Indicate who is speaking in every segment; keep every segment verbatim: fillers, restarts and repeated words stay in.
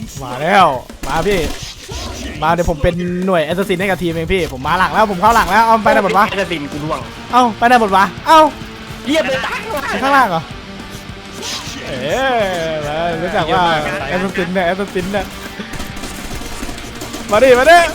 Speaker 1: มาแล้วมาพี่มาเดี๋ยวผมเป็นหน่วยแอสซัสซินให้กับทีมเองพี่ผมมาหลังแล้วผมเข้าหลังแล้วเอาไปไหนหมดวะ
Speaker 2: แอสซัสซินกูร่วง
Speaker 1: เอ้าไปไหนหมดวะเอ้า
Speaker 2: เรียบเลยตาย
Speaker 1: ข้างล่างเหรอเอ๊ะรู้จักว่าแอสซัสซินเนี่ยแอสซัสซินเนี่ยมาดิมาดิ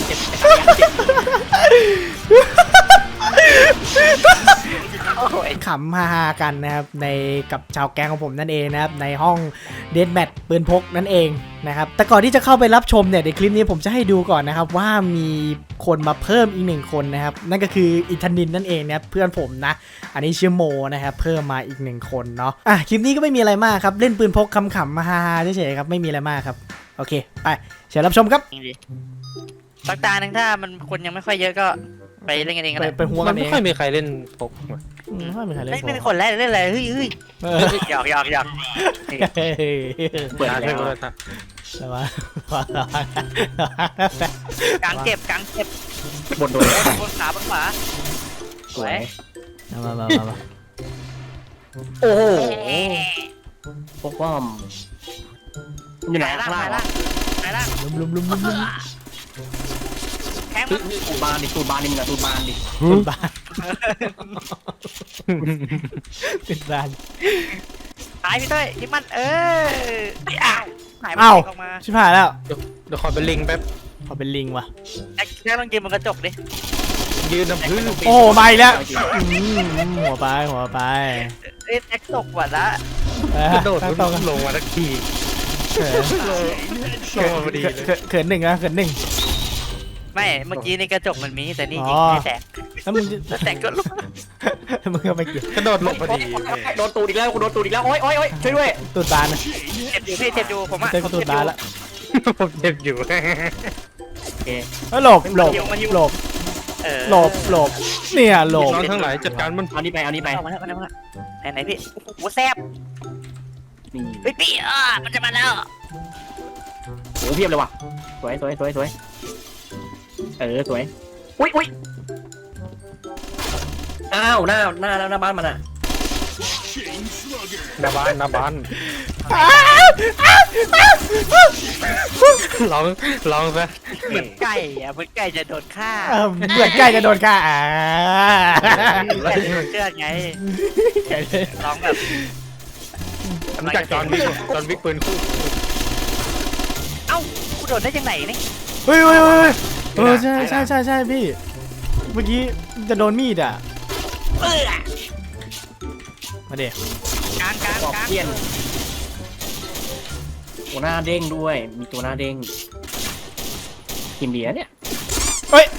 Speaker 1: ขำฮาๆกันนะครับในกับชาวแก๊งของผมนั่นเองนะครับในห้องเดธแมทปืนพกนั่นเองนะครับแต่ก่อนที่จะเข้าไปรับชมเนี่ยในคลิปนี้ผมจะให้ดูก่อนนะครับว่ามีคนมาเพิ่มอีกหนึ่งคนนะครับนั่นก็คืออิทานินนั่นเองนะครับเพื่อนผมนะอันนี้ชื่อโมนะครับเพิ่มมาอีกหนึ่งคนเนาะอ่ะคลิปนี้ก็ไม่มีอะไรมากครับเล่นปืนพกขำๆมาฮาๆเฉยๆครับไม่มีอะไรมากครับโอเคไปเชิญรับชมครับ
Speaker 3: สักตาหนึ่งถ้ามันคนยังไม่ค่อยเยอะก็ไปเล่นกันเองก็
Speaker 1: ไป
Speaker 3: ได้
Speaker 1: ไปหัว
Speaker 4: มั
Speaker 1: กัน นเอ
Speaker 4: ไม่
Speaker 1: ง
Speaker 4: ค่อยมีใครเล่นพกมา
Speaker 1: ไม่ค่อยมีใครเล่น
Speaker 3: ไม่ไม่มีคนแรกเล่นอะไรเฮ้ยเฮ้ย
Speaker 1: เออ
Speaker 3: หยอกหยอกหยอก
Speaker 2: เปิด
Speaker 4: ร้าน
Speaker 2: แล้
Speaker 4: เล่น
Speaker 2: ว
Speaker 4: ก็ได้
Speaker 1: แต่ว่าก
Speaker 3: างเก็บกางเก็บบ
Speaker 2: นโดน
Speaker 3: บนขาบนขวา
Speaker 2: สวย
Speaker 1: มามามามา
Speaker 2: โอ้โห
Speaker 3: เอ๊ะ
Speaker 2: พวกว่าอยู่ไหน
Speaker 3: ไหนล่า
Speaker 2: ข้าง ง
Speaker 3: ไหน
Speaker 2: ล่าง
Speaker 3: ล่างไหนล่าง
Speaker 1: ลุมลุมลุมลุมลุม
Speaker 3: แทงมัน
Speaker 2: ตูบานดิตูบานดิมึงอะตูบานดิ
Speaker 1: ติดบ้านติดบ้าน
Speaker 3: ตายพี่เต้ยยิงมันเอออ้าวหายไป
Speaker 1: อ้าว
Speaker 3: ออกมา
Speaker 1: ชิบหายแล้ว
Speaker 4: เดี๋ยวเดี๋ยวขอเป็นลิงแป๊บ
Speaker 1: เขาเป็นลิงว่ะ
Speaker 3: แอ๊กแอ๊กต้องกินบนกระจกดิ
Speaker 4: ยืนน้ำพื้น
Speaker 1: โอ้มาอีกแล้วอืมหัวไปหัวไป
Speaker 3: เอ๊ะแอ๊กตกว่ะละ
Speaker 4: กระโดด
Speaker 1: ตั้ง
Speaker 4: ล
Speaker 1: ตรง
Speaker 4: งลงมาทักที
Speaker 1: เขิน
Speaker 4: ลงมาพอดีเลย
Speaker 1: เขินเขินหนึ่งนะเขินหนึ่ง
Speaker 3: ไม่เมื่อกี้ในกระจกมันมีแต่นี่
Speaker 1: อ๋
Speaker 3: ยิ
Speaker 1: อ
Speaker 3: งไม่แตก
Speaker 1: แล้วมึง
Speaker 3: แล้วแตกก็ลุก
Speaker 1: มึงก็ไปเกี่ยว
Speaker 4: กระโดดลงพอดี
Speaker 2: โดนตูดอีกแล้วกูโดนตูดอีกแล้วโอ๊ยโอ๊ยโอ๊ยช่วยด้วย
Speaker 1: ตูดบานนะ
Speaker 3: เจ็บอยู่พี่เจ็บอยู่ผมอะ
Speaker 1: เต้น
Speaker 3: ผม
Speaker 1: ตูด
Speaker 3: เจ็บอบ
Speaker 1: าน
Speaker 3: ยู่
Speaker 1: ละ
Speaker 4: ผมเจ็บอยู่
Speaker 2: โอเค
Speaker 1: เฮ้ยหลบหลบหลบ
Speaker 3: เออ
Speaker 1: หลบหลบเนี่ยหลบ
Speaker 4: น้องทั้งหลายจัดการมัน
Speaker 2: เอานี่ไปเอานี่ไป
Speaker 3: เอามาแล้วมาแล้วมาแล้วไหนไหนพี่โอ้โหแซ่บ
Speaker 2: นี่
Speaker 3: เฮ้ยพี่อ่ะมันจะมาแล้ว
Speaker 2: โหเพียบเลยว่ะสวยสวยสวยสวยเออสวยอุ้ยอุ้ยอ้าวหน้าหน้าหน้าบ้านมันอะ
Speaker 4: หน้าบ้านหน้าบ้านลองลองซะ
Speaker 3: เหมือนไก่อะเหมือนไก่จะโดนฆ่า
Speaker 1: เออเหมือนใกล้จะโดนฆ่าอ่า
Speaker 3: ไก่โดนเชือดไงร้องแบบ
Speaker 4: รู้จักจอห์นวิกจอห์นวิกปืนคู่
Speaker 3: เอ้ากูโดนได้ยังไงนี่
Speaker 1: เฮ้ยเฮ้ยเฮ้ยเออใช่ใช่ใช่ใช่พี่เมื่อกี้จะโดนมีดอ่ะ
Speaker 3: เออ
Speaker 1: มาเดี๋ยว
Speaker 3: กลางกลาง
Speaker 2: บอก
Speaker 3: กลาง
Speaker 2: เพี้ยนตัวหน้าเด้งด้วยมีตัวหน้าเด้งกินเบียร์เนี่ย
Speaker 1: เฮ้ย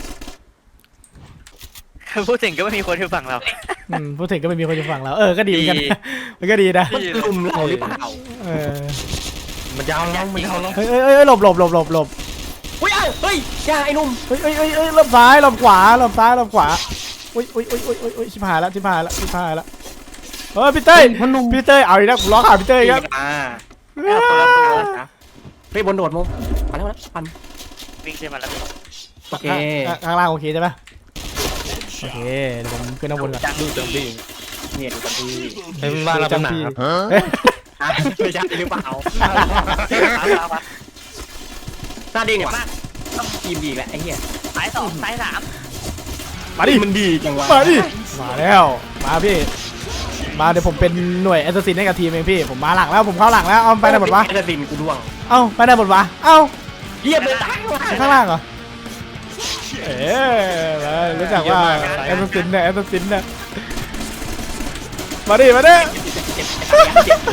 Speaker 3: พูดถึงก็ไม่มีคนที่ฟังเรา
Speaker 1: อืมพูดถึงก็ไม่มีคนจะฟังแล้วเออก็ดีเหมือนกันมันก็ดีนะ
Speaker 2: มันลุมเราหรือเปล่า
Speaker 1: เออ
Speaker 4: มันยาวแล้วมันยาวแล้ว
Speaker 1: เฮ้ยเฮ้ยเฮ้ยหลบหลบหลบหลบหลบ
Speaker 2: อุ้ยเอ้าเฮ้ยอย่าไอ้หนุ่ม
Speaker 1: เฮ้ยเฮ้ยเฮ้ยเฮ้ยหลบซ้ายหลบขวาหลบซ้ายหลบขวาอุ้ยอุ้ยอุ้ยอุ้ยอุ้ยอุ้ยชิบหายแล้วชิบหายแล้วชิบหายแล้วเฮ้ยพี่เต้ยพี่เต้ยเอาอีกแล้วผมล้อขาพี่เต้ยครับ
Speaker 2: อ่าเอาคนละตัวนะเฮ้ยบนโดดมุมมาแล้วมาแล้วปัน
Speaker 3: วิ่งขึ้นมาแล้ว
Speaker 2: โอเค
Speaker 1: อ่ะข้างล่างโอเคใช่ปะโอเคเดี๋ยวผมขึ้นข้างบนก่อน
Speaker 3: จัง
Speaker 4: ดูจังดี
Speaker 2: เนี่ยดูกันดี
Speaker 4: ให้มันบ้านเราเป็นหนาครับ
Speaker 1: เฮ้ย
Speaker 2: อ่ะไม่ใช่หรือเปล่า
Speaker 3: เอาเอาเอา
Speaker 2: หน้าเด้งเนี่ยมาต้องทีมดีแหละไอ้เหี้ย
Speaker 3: สายสองสายสาม
Speaker 1: มาดิ
Speaker 2: มันดีจังวะ
Speaker 1: มาดิมาแล้วมาพี่มาเดี๋ยวผมเป็นหน่วยแอสซัสซินให้กับทีมเองพี่ผมมาหลังแล้วผมเข้าหลังแล้วเอาไปไหนหมดวะ
Speaker 2: แอสซัสซินกูด้วง
Speaker 1: เอ้าไปไหนหมดวะเอ้า
Speaker 2: เยียบเลยตายว่ะ
Speaker 1: ข้างล่างเหรอเอ๊ะรู้จักว่าแอสซัสซินเนี่ยแอสซัสซินเนี่ยมาดิมาดิ
Speaker 2: เจ็บเจ็บ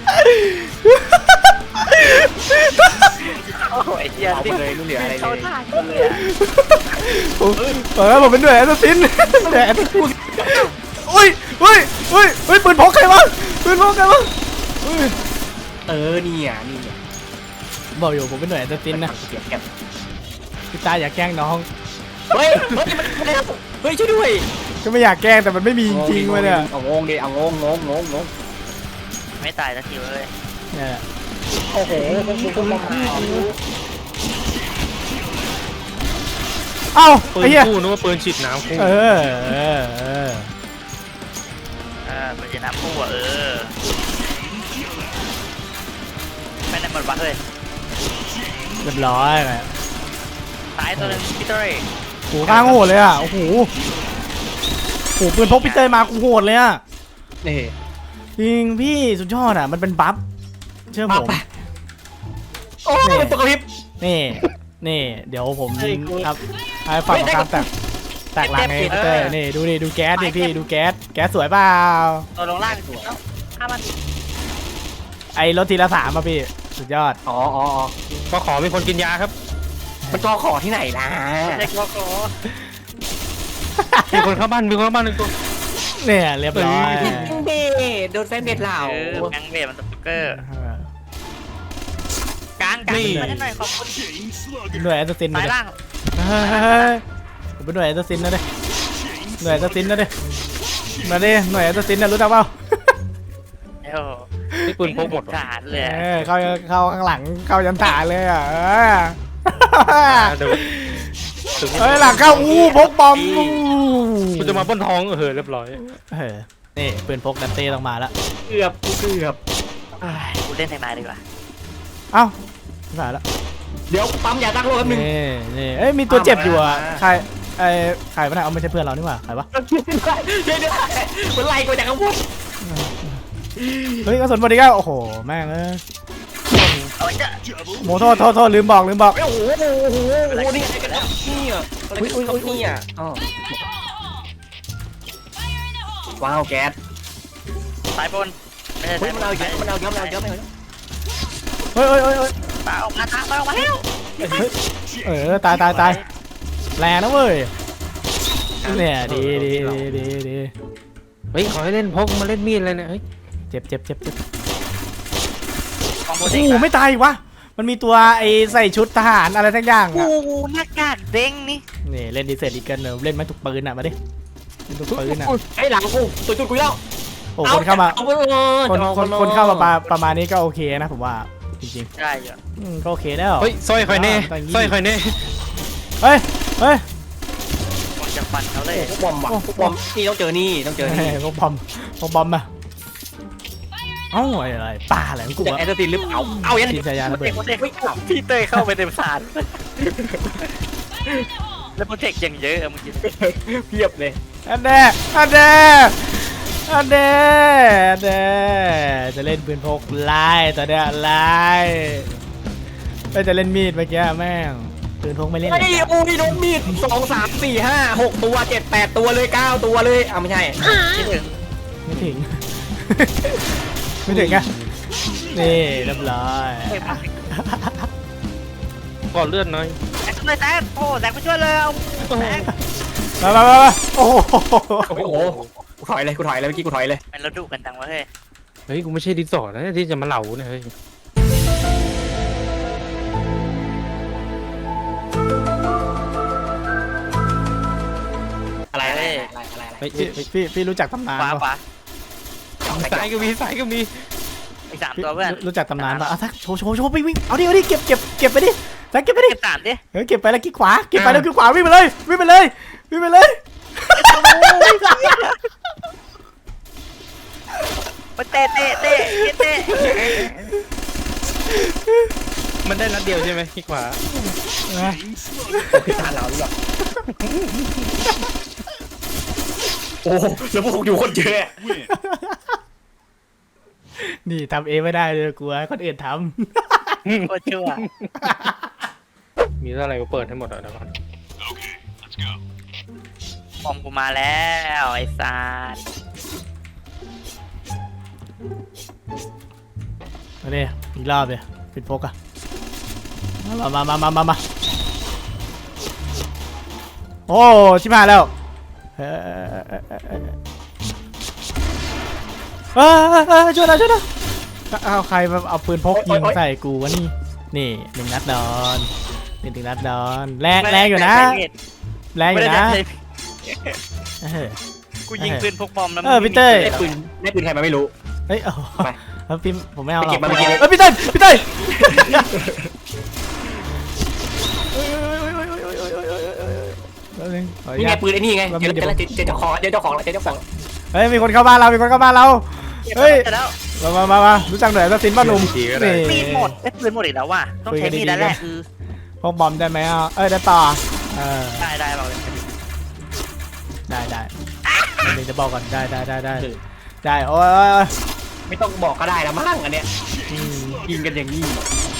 Speaker 3: โอ้ยเฮีย
Speaker 2: เอาไป
Speaker 3: นี่
Speaker 2: เลยไม่เหลืออะไร
Speaker 3: เขา
Speaker 2: เลย
Speaker 3: ท่ากันเลยอะ
Speaker 1: ผมเออผมเป็นหน่วยแอสซัสซินหน่วยแอสซัสซินอุ้ยอุ้ยอุ้ยอุ้ยปืนพกใครวะปืนพกใครวะอุ้ย
Speaker 2: เออนี่อ่ะนี่อ่ะ
Speaker 1: บอกอยู่ผมเป็นหน่วยแอสซัสซินนะ
Speaker 2: เก็บเก็บ
Speaker 1: พี่ตาอย่าแกล้งน้อง
Speaker 2: เฮ้ยเฮ้ยมันมันเฮ้ยช่วยด้วย
Speaker 1: ก็ไม่อยากแกล้งแต่มันไม่มีจริงๆวะเนี่ย
Speaker 2: เอางงดิเอางงงงงงง
Speaker 3: ไม่ตายสักทีเลย
Speaker 1: เนี่ย
Speaker 2: โอ้โหคุณมา
Speaker 1: เอ้า
Speaker 4: ปื
Speaker 1: ไอ้
Speaker 4: น
Speaker 1: เหี้ย
Speaker 4: คู่นึกว่าปืนฉีดน้ำคู่
Speaker 1: เออเออเออ
Speaker 3: อ่ามันจะนับคู่อ่ะเออไม่ได้หมดวะเฮ้ย
Speaker 1: เรียบร้อยเลย
Speaker 3: ตายตัวหนึงพี่เต้ย
Speaker 1: โหข้างโหดเลยอ่ะโอ้โหโหปืนพกพี่เต้ยมากูโหดเลยอ่ะ
Speaker 2: นี่
Speaker 1: จริงพี่สุดยอดอ่ะมันเป็นบัฟเชื่อผม
Speaker 2: โอ้ยเป็นตัวกระพริบ
Speaker 1: นี่นี่เดี๋ยวผมครับให้ฝั่งของการแตกแตกหลังไงพี่เต้ยนี่ดูดิดูแก๊สดิพี่ดูแก๊สแก๊สสวยเปล่า
Speaker 3: ตัวลงล่างสวยถ้ามัน
Speaker 1: ไอ้รถทีละสามอ่ะพี่สุดยอด
Speaker 2: อ๋ออ๋ออ๋อ
Speaker 4: ก็ขอมีคนกินยาครับ
Speaker 2: มันจอขอที่ไหนล่ะ
Speaker 3: เด็กโลโก้
Speaker 4: มีคนเข้าบ้านมีคนเข้าบ้านหนึ่งตัว
Speaker 1: เนี่ยเรียบร้อย
Speaker 2: เบโดนแฟนเบ็ดเหล่า
Speaker 3: เออแบงค์เบรมันสติ๊กเกอร์กลางกลางมาหน่อยขอบคุณ
Speaker 1: หน่วยแอสซิน
Speaker 3: สา
Speaker 1: นะ
Speaker 3: ย
Speaker 1: เด้
Speaker 3: ล่าง
Speaker 1: ผมเป็นหน่วยแอสซินนะเด้หน่วยแอสซินนะเด้มาดิหน่วยแอสซินนะรู้จักเปล่า
Speaker 3: เอ้า
Speaker 4: นี่ปืนพกหมด
Speaker 3: ขาดเลย
Speaker 1: เออเข้าเข้าข้างหลังเข้ายันฐานเลยอ่ะเออ
Speaker 4: เดี๋ยวถึง
Speaker 1: เฮ้ยหลังเข้าอู้พกบอมอู้
Speaker 4: คุณจะมาป้นท้องเออเรียบร้อย
Speaker 1: เออนี่ปืนพกดันเต้ต้องมาแล้ว
Speaker 2: เกือบกูเกือบ
Speaker 3: กูเล่นแทงนายดีกว่า
Speaker 1: เอ้าไม่ผ่านแล้ว
Speaker 2: เดี๋ยวปั๊มยาตั้งโลกแป๊บนึง
Speaker 1: นี่นี่เอ้ยมีตัวเจ็บอยู่อ่ะ
Speaker 2: มา
Speaker 1: ใครไอ้ใครวะเนี่ยเอาไม่ใช่เพื่อนเรานี่หว่าใครวะ
Speaker 2: ช่วยได้ช่วยได้มันไล่กูจากข้างบน
Speaker 1: เฮ้ยกระสุนบอดี้ก็โอ้โหแม่งเอ้ย
Speaker 3: เอาไว้จ้ะ
Speaker 1: โมโทษโทษโทษลืมบอกลืมบอก
Speaker 2: โอ้โหโอ้โหโอ้โหนี่อะไรกันนี่อ่ะอะไรกันครับนี่อ่ะอ๋อว้าวแก๊ส
Speaker 3: สายบนไม่ใช่
Speaker 2: เฮ้ย
Speaker 3: สายบ
Speaker 2: มันเอาเยอะมันเอาเยอะมันเอาเยอะไปเลย
Speaker 1: เฮ้ยเฮ้ยเฮ้ยเฮ้ย
Speaker 3: ปาออกมาทางปาออกมาแล้ว
Speaker 1: เฮ้ยเออตายตายตายแรงนะเว้ยเนี่ยดีดีดีดีดี
Speaker 4: เฮ้ยขอให้เล่นพกมาเล่นมีดเลยเนี่ยเฮ้ย
Speaker 1: เจ็บเจ็บเจ็บเจ็บ
Speaker 3: ของโปร
Speaker 1: โอ้
Speaker 3: เจก
Speaker 1: โห
Speaker 3: ต์
Speaker 1: ไม่ตายอีกวะมันมีตัวไอ้ใส่ชุดทหารอะไรทั้งอย่าง
Speaker 3: โอ้
Speaker 1: อ่ะ
Speaker 3: โหหน้ากากเด้งนี่
Speaker 1: นี่เล่นดีเซลอีกเกินเนอะเล่นไม่ถูกปืนอ่ะมาดิเล่นถูกปืนอ่ะ
Speaker 2: ไอ้หลังกูตัวจุดกูแล้ว
Speaker 1: โอ้คนเข้ามา
Speaker 2: เอาไปเลย
Speaker 1: คนคนคนเข้ามาประประมาณนี้ก็โอเคนะผมว่าจริง
Speaker 3: ได้อยู่
Speaker 1: ๆอืมก็โอเคแล้ว
Speaker 4: เฮ้ยสร้อยคอยเน่สร้อยคอยเน่
Speaker 1: เฮ้ยเฮ้ย
Speaker 3: ผมจะฟันเขาเลย
Speaker 2: พวกบอมว่ะพวกบอมนี่ต้องเจอนี่ต้องเจอนี่
Speaker 1: พวกบอมพวกบอมมาเอ้าอะไรป่าอะไรของกู
Speaker 2: จาก
Speaker 1: วะ
Speaker 2: แอสซินหรือเปล่าเอาอย่าง
Speaker 1: ที
Speaker 2: นี้
Speaker 1: มชายาระเบิด
Speaker 3: โปรเจกต์พี่เต้ยเข้าไปเต็มสารแล้วโปรเจกต์อย่างเยอะอะมึงคิด
Speaker 2: เพียบเลย
Speaker 1: อันเด้อันเด้อันเด้อันเด้จะเล่นปืนพกไล่ตอนเนี้ยไล่ไม่จะเล่นมีดเมื่อกี้แม่งปืนพกไม่เล่น
Speaker 2: ไอ้โอ้ยโดนมีดสองสามสี่ห้าหกตัวเจ็ดแปดตัวเลยเก้าตัวเลยอ่ะไม่ใช่
Speaker 3: คิดถึง
Speaker 1: ไม่ถึง ไม่ถึงอะนี่เรียบร้อย
Speaker 4: ก่อนเลือดน้อย
Speaker 3: แซกเลยแซกโอ้แซกไปช่วยเลยเอาแซก
Speaker 1: มามามามาโอ้โห
Speaker 2: โอ้โหกูถอยเลยกูถอยเลยเมื่อกี้กูถอยเลย
Speaker 3: มันเราดุกันจังวะเฮ้ย
Speaker 4: เฮ้ยกูไม่ใช่ดิสอร์ทนะที่จะมาเหล่าเนี่ยเฮ้ย
Speaker 2: อะไรอะไรอะไรอะไรอะไร
Speaker 4: เฮ้ย
Speaker 1: พี่
Speaker 4: เฮ้ย
Speaker 1: พี่พี่รู้จักตำนาน
Speaker 3: ขวา
Speaker 1: ปะ
Speaker 3: ขวา
Speaker 4: สายก็มีสายก็มี
Speaker 3: อีกสาม
Speaker 1: พี่
Speaker 3: ตัวเพื่อน
Speaker 1: รู้จักตำนานปะอ่ะทักโชว์โชว์โชว์ไปวิ่งเอาดิเอาดิเก็บเก็บเก็บไปดิทักเก็บไปดิ
Speaker 3: เก็บสามดิ
Speaker 1: เฮ้ยเก็บไปแล้วกิ๊กขวาเก็บไปแล้วกิ๊กขวาวิ่งไปเลยวิ่งไปเลยวิ่งไปเลย
Speaker 3: ไปเตะเตะเตะเตะ
Speaker 4: มันได้นัดเดียวใช่ไหมที่ขวา
Speaker 1: นะ
Speaker 2: คือทานเราหรือเปล่าโอ้แล้วพวกอยู่คนเยอะ
Speaker 1: นี่ทำเองไม่ได้เลยกลัวให้คนอื่นท
Speaker 3: โคตรชั่ว
Speaker 4: มีอะไรก็เปิดให้หมดอ่ะเดี๋ยวก่อน
Speaker 3: ปอมกูมาแล้วไอ้ซาน
Speaker 1: ำมาดิอีกรอบเลยปิดพกอะมามามามามามาโอ้ชิบหายแล้วเฮ้ยเอ้ยเอ้ยช่วยหน่อยช่วยหน่อยเอาใครมาเอาปืนพกยิงใส่กูวะนี่นี่หนึ่งนัดนอนหนึ่งนัดนอนแรงแรงอยู่นะแรงอ
Speaker 3: ไม่
Speaker 1: ยู่
Speaker 3: ได้
Speaker 1: นะ
Speaker 3: ใช้
Speaker 1: เออ
Speaker 3: กูยิงปืนพกบอมแล้ว
Speaker 1: เออพี่เต้ย
Speaker 2: ได้ปืนได้ปืนใครมาไม่รู้
Speaker 1: เฮ้ยโอ้โห
Speaker 2: ไป
Speaker 1: เฮ้ยพี่ผมไม่เอาหรอก
Speaker 2: ไปเก็บมาเมื่อกี้เลย
Speaker 1: เฮ้ยพี่เต้ยพี่เต้ยแล้วนึงขออนุ
Speaker 2: นี่
Speaker 1: ญา
Speaker 2: ไง
Speaker 1: ต
Speaker 2: ปืนไอ้นี่ไง
Speaker 1: แล้ว
Speaker 2: เจ
Speaker 1: มี
Speaker 2: อ
Speaker 1: เดี๋ยว
Speaker 2: เจอเจอเจ้าของเจอเจ้าของแล้วเจอเจ้าของ
Speaker 1: เฮ้ยมีคนเข้าบ้านเรามีคนเข้าบ้านเรา เฮ้ย
Speaker 3: เสร็จแล้ว
Speaker 1: มามามามารู้จักหน่อยสักสินบ้าหนุ่ม
Speaker 4: ทีก็ได้
Speaker 1: นี่
Speaker 3: มีดหมดไอ้ยปืนหมดอีกแล้วว่ะต้องใช้มีดแล้วแหละคือ
Speaker 1: พวกบอมได้ไหมอ่ะเอ้ยได้ต่อเออ
Speaker 3: ได้ได้บอกเลย
Speaker 1: ได้ได้เดี๋ยวจะบอกก่อนได้ได้ได้ได้ได้โอ้ยโอ้ย
Speaker 2: ไม่ต้องบอกก็ได้แล้วมั้งอันเนี้ย
Speaker 1: อืม
Speaker 2: ยิงกันอย่างนี้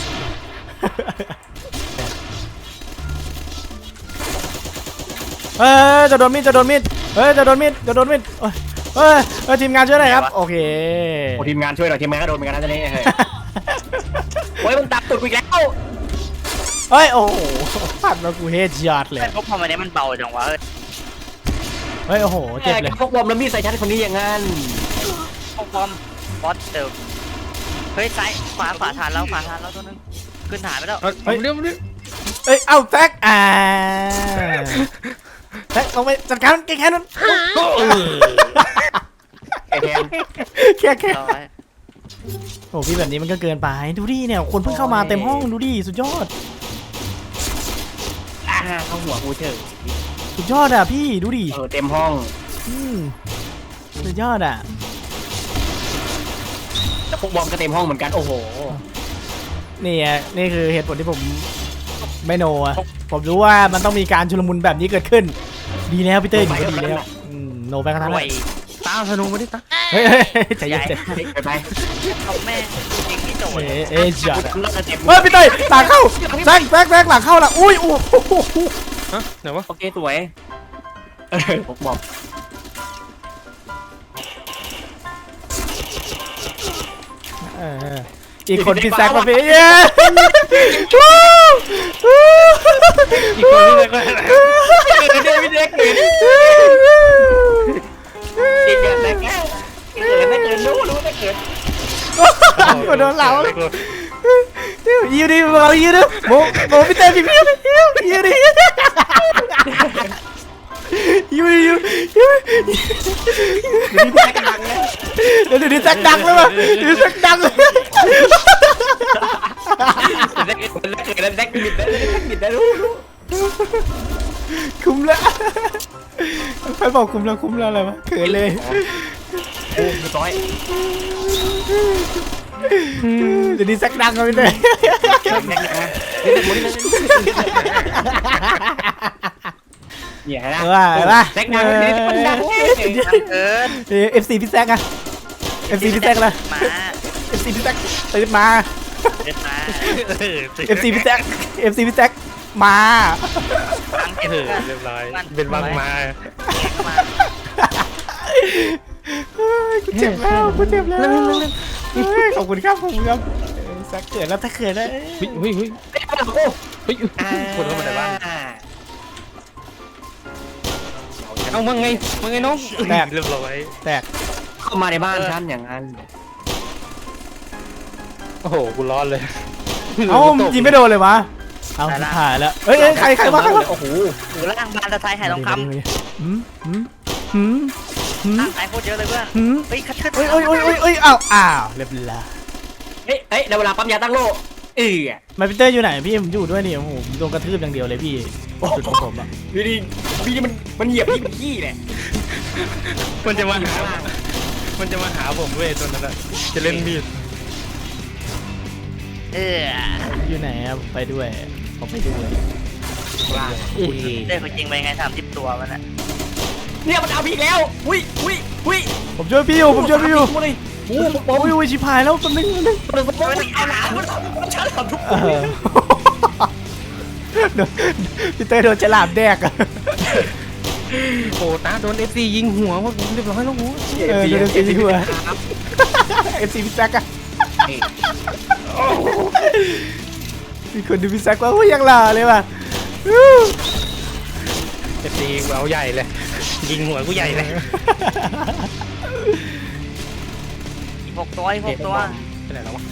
Speaker 1: เฮ้ยจะโดนมีดจะโดนมีดเฮ้ยจะโดนมีดจะโดนมีดเอ้ยเฮ้ยเฮ้ยทีมงานช่วยหน่อยครับโอเค
Speaker 2: โอ้ทีมงานช่วยหน่อยทีมงานก็โดนเหมือนกันนะจะนี่เฮ้ยโอ้ยมันตับตุดกูอีกแล้ว
Speaker 1: เฮ้ยโอ้โหพัดมากูเฮดช็อตเลย
Speaker 3: แต่พวกพอมันนี้มันเบาจังวะเฮ้ย
Speaker 1: เฮ้ยโอ้โหเจ็บเลย
Speaker 2: พวกบอมแล้วมีดใส่ฉันคนนี้อย่างนั้น
Speaker 3: พวกบอมบอสเดิมเฮ้ยซ้ายขวาขวาทานแล้วขวาทานแล้วตัวนึงขึ้นฐานไปแล้ว
Speaker 4: เอาเอาเร็วเร็ว
Speaker 1: เอ้ยเอาแท็กอ่าแท็กลงไปจัดการแกแค่นั้น
Speaker 2: ไอ้แทน
Speaker 1: แค่แค่
Speaker 3: ร้อย
Speaker 1: โอ้พี่แบบนี้มันก็เกินไปดูดิเนี่ยคนเพิ่งเข้ามาเต็มห้องดูดิสุดยอด
Speaker 2: อ่าเข้าหัวกูเฉย
Speaker 1: สุดยอดอ่ะพี่ดูดิ
Speaker 2: เออเต็มห้อง
Speaker 1: อืมสุดยอดอ่ะ
Speaker 2: แล้วพวกบอมก็เต็มห้องเหมือนกันโอ้โห
Speaker 1: นี่ไงนี่คือเหตุผลที่ผมไม่โนอ่ะผมรู้ว่ามันต้องมีการชุลมุนแบบนี้เกิดขึ้น ดีแล้วพี่เต้ยดีแล้วดีแล้วอืมโนไปกันทั้ง
Speaker 3: ร
Speaker 1: นั้
Speaker 3: วย
Speaker 1: น
Speaker 4: ตามธนูมาดิตา
Speaker 1: เฮ้ยเฮ้ยเฮ้ยใจ
Speaker 3: ให
Speaker 1: เย็
Speaker 3: ญ่
Speaker 1: นใจ
Speaker 2: ไปไป
Speaker 3: เอาแม่งยิงไม่โดน
Speaker 1: เอ๊ะเอ๊ะจัด
Speaker 2: กู
Speaker 1: อะ
Speaker 2: ทำแล้วจะเจ็บ
Speaker 1: เฮ้ยพี่เต้ยหลังเข้าแซกแซกแซกหลังเข้าละอุ้ยโอ้โห
Speaker 4: ฮะไหนวะ
Speaker 2: โอเคสวยเออพวกบอม
Speaker 1: เอออีกคนพี่แซกมาพี่เย้
Speaker 4: อีกคนนึงเลยก็
Speaker 2: เด็กเด็กเด็กเด็กเกิดเด็กเกิดเด็กเกิดรู้รู้เด็กเกิด
Speaker 1: กดโดนเหลายิวดิเรายิวดิโมโมพี่เต้พี่พี่ยิวยิวดิยิวดิยิวยิว
Speaker 2: นี่แซกดังเลย
Speaker 1: เดี๋ยวเดี๋ยวแซกดังเลยว่ะเดี๋ยวแซกดังเลย
Speaker 2: เด็กเกิดเด็กเกิดเด็กบิดได้เด็กบิดได้รู้รู้
Speaker 1: คุ้มแล้วใครบอกคุ้มแล้วคุ้มแล้วอะไรวะเขินเลย
Speaker 2: โอ้ยร้อย
Speaker 1: เดี๋ยวนี้แซกดังเลยพี่เต้
Speaker 2: เด็กนะเด็กหมดเลยเนี่ยนะ
Speaker 1: ว่าว่า
Speaker 2: แซกดังนี่มันดัง
Speaker 3: เกิน
Speaker 1: เอฟซีพี่แซกอะเอฟซีพี่แซกเลย
Speaker 3: มา
Speaker 1: เอฟซีพี่แซกตื่นมา
Speaker 3: เดินมา
Speaker 1: เอฟซีพี่แซกเอฟซีพี่แซกมา
Speaker 3: ตั้งเก็บ
Speaker 4: เออ
Speaker 3: เพื่อน
Speaker 4: เรียบร้อยเป็นบังมา
Speaker 3: มา
Speaker 1: เฮ้ยกูเจ็บแล้วกูเจ็บแล้วเฮ้ยขอบคุณครับขอบคุณครับเออแซกเกิดแล้วถ้าเกิดแล้ว
Speaker 4: เฮ้ยเฮ้ยเฮ้ย
Speaker 2: เด็กมาโอ้
Speaker 4: เฮ้ยคนเข้ามาในบ้านเอามึงไงมึงไงน้องเรียบร้อย
Speaker 1: แตก
Speaker 2: เข้ามาในบ้านฉันอย่างนั้น
Speaker 4: โอ้โหกูร้อนเลย
Speaker 1: เอ้ายิงไม่โดนเลยวะเอาถ่ายแล้วเฮ้ยใครใครวะใครวะ
Speaker 2: โอ้โห
Speaker 3: อยู่ล่างบานตะไทยหายทองคำ
Speaker 1: หืมหืมหืมหืม
Speaker 3: ล่างไอ้โคตรเยอะเลยเพื่อน
Speaker 1: หืม
Speaker 3: เฮ้ยคัดขึ้น
Speaker 1: เอ้ยเอ้ยเอ้ยเอ้ยเอ้ยอ้าวอ้าวเรียบร้อย
Speaker 2: เฮ้ยเฮ้ยเวลาปั๊มยาตั้งโล่เออ
Speaker 1: มาพีเตอร์อยู่ไหนพี่ผมอยู่ด้วยนี่โอ้โหผมโดนกระทืบอย่างเดียวเลยพี่จุดของผมอะ
Speaker 2: ดูดิพี่มันมันเหยียบพี่เป็นขี้เนี่ย
Speaker 4: มันจะมาหามันจะมาหาผมเว้ยตอนนั้นจะเล่นมีด
Speaker 3: เออ
Speaker 1: อยู่ไหนอะไปด้วยผมไปด้วย
Speaker 2: ว่า
Speaker 1: อุ้ย
Speaker 3: เด็กจริงไปไงสามสิบตัวมันอ่ะ
Speaker 2: เนี่ยมันเอาพี่แล้วอุ้ยอุ้ยอุ้ย
Speaker 1: ผมช่วยพี่อยู่ผมช่วยพี่อยู่
Speaker 2: เลยโอ้โห
Speaker 1: โอ้ยโอ้ยชิบหายแล้วแป๊บนึงแป๊บนึง
Speaker 2: มันมันเอาหนามันมันชัดทำทุกค
Speaker 1: เอน อโดนพี่เตอร์โดนฉลามแดกอะ
Speaker 4: โอ้ตาโดนเอฟซียิงหัวว่าผมเรียบร้อยแล้วหัว
Speaker 1: เออโดนเอฟซีหัวเอฟซีพี่แซกอะมีคนดูพี่แซกว่าโอ้ยยังหล่อเลยว่ะ
Speaker 4: เอฟซีเอาใหญ่เลย ยิงหัวกูใหญ่เลย
Speaker 3: อีกหกตัวอีกหกตัว
Speaker 4: ไปไหนแล้ววะ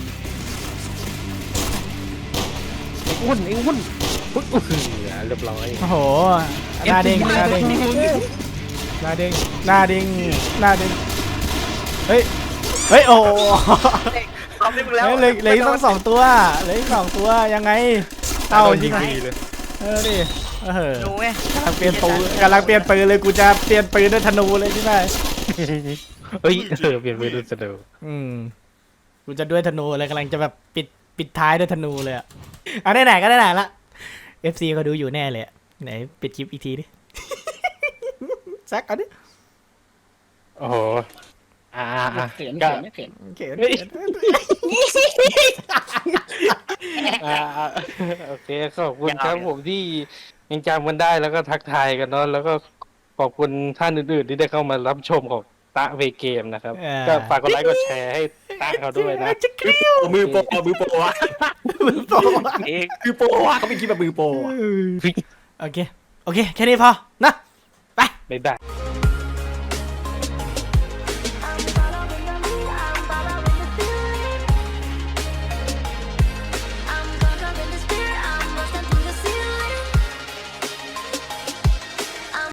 Speaker 4: ไอ้อ้วนไอ้อ้วนอุ๊ยอื้อหือเรียบร้อย
Speaker 1: โอ้โหหน้าเด้งหน้าเด้งหน้าเด้งหน้าเด้งหน้าเด้งเฮ้ยเฮ้ยโอ้
Speaker 3: เอาไปมึงแล้ว
Speaker 1: เฮ้ยเหลยเหลยต้องสองตัวเหลยสองตัวยังไง
Speaker 4: เต้า
Speaker 1: เต้า
Speaker 4: ยิ
Speaker 1: ยิ
Speaker 4: ง
Speaker 1: ง
Speaker 4: ดีเลย
Speaker 1: เออดิเออ
Speaker 3: ดูไง
Speaker 1: กำลังเปลี่ยนปืนกำลังเปลี่ยนปืนเลยกูจะเปลี่ยนปืนด้วยธนูเลยใช่ไหม
Speaker 4: เฮ้ยเออเปลี่ยนไปดูสะดวก
Speaker 1: อืมกูจะด้วยธนูเลยกำลังจะแบบปิดปิดท้ายด้วยธนูเลยอะเอาได้ไหนก็ได้ไหนละ เอฟ ซี เขาดูอยู่แน่เลยอะไหนปิดคลิปอีกทีดิ ซักเอาดิ
Speaker 4: โอ้โหอ่าอ่า
Speaker 2: เขิน
Speaker 4: ก็
Speaker 2: เขินไม่เขิน
Speaker 1: โอเคโอเค
Speaker 4: อ่าอ่าโอเคขอบคุณครับผมที่ยังจำกันได้แล้วก็ทักทายกันเนาะแล้วก็ขอบคุณท่านอื่นๆที่ได้เข้ามารับชมของตะเวเกมนะครับก็ฝากกดไลค์กดแชร์ให้ตะเขาด้วยนะ
Speaker 1: จะเกลียว
Speaker 2: มือโปรมือโปรวะ
Speaker 1: มือโปรอะ
Speaker 3: เอก
Speaker 2: มือโปรวะเขาไม่คิดแบบมือโปรอะ
Speaker 1: โอเค โอเค แค่นี้พอนะ ไป
Speaker 4: บ๊ายบาย